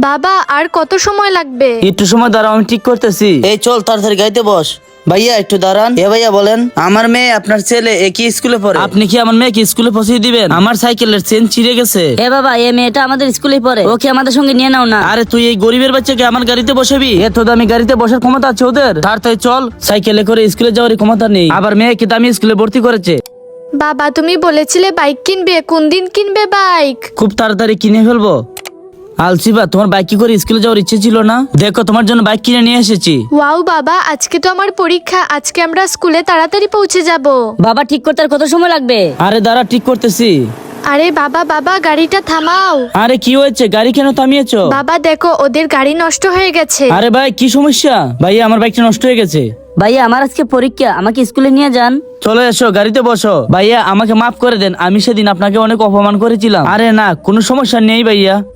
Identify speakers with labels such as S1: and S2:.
S1: বাবা আর কত সময় লাগবে?
S2: একটু সময় দাঁড়াও, আমি ঠিক করতেছি।
S3: এই চল তাড়াতাড়ি গাইতে বস। ভাইয়া একটু দাঁড়ান। ভাইয়া বলেন, আমার মেয়ে আপনার ছেলে একই স্কুলে পড়ে।
S2: আপনি কি আমার মেয়েকে স্কুলে পৌঁছে দিবেন? আমার সাইকেলের চেন ছিঁড়ে গেছে।
S4: এ বাবা, এই মেয়েটা আমাদের স্কুলে পড়ে, ওকে আমাদের সঙ্গে নিয়ে নাও না।
S2: আরে তুই এই গরিবের বাচ্চাকে আমার গাড়িতে বসাবি? এত দামি গাড়িতে বসার ক্ষমতা আছে ওদের? তাড়াতাড়ি চল, সাইকেলে করে স্কুলে যাওয়ার ক্ষমতা নেই, আবার মেয়েকে দামি স্কুলে ভর্তি করেছে।
S1: বাবা তুমি বলেছিলে বাইক কিনবে, কোন দিন কিনবে বাইক?
S2: খুব তাড়াতাড়ি কিনে ফেলবো। আলসিবা, তোমার বাইক কি করে স্কুলে যাওয়ার ইচ্ছে ছিল না? দেখো তোমার জন্য বাইক কিনে নিয়ে এসেছি।
S1: ওয়াও বাবা, আজকে তো আমার পরীক্ষা, আজকে আমরা স্কুলে তাড়াতাড়ি পৌঁছে যাব।
S4: বাবা ঠিক করতে আর কত সময় লাগবে?
S2: আরে দাঁড়া, ঠিক করতেছি।
S1: আরে বাবা বাবা গাড়িটা থামাও।
S2: আরে কি হয়েছে, গাড়ি কেন থামিয়েছো?
S1: বাবা দেখো ওদের গাড়ি নষ্ট হয়ে গেছে।
S2: আরে ভাই কি সমস্যা? ভাইয়া আমার বাইকটা নষ্ট হয়ে গেছে।
S4: ভাইয়া আমার আজকে পরীক্ষা, আমাকে স্কুলে নিয়ে যান।
S2: চলে এসো, গাড়িতে বসো। ভাইয়া আমাকে মাফ করে দেন, আমি সেদিন আপনাকে অনেক অপমান করেছিলাম। আরে না, কোনো সমস্যা নেই ভাইয়া।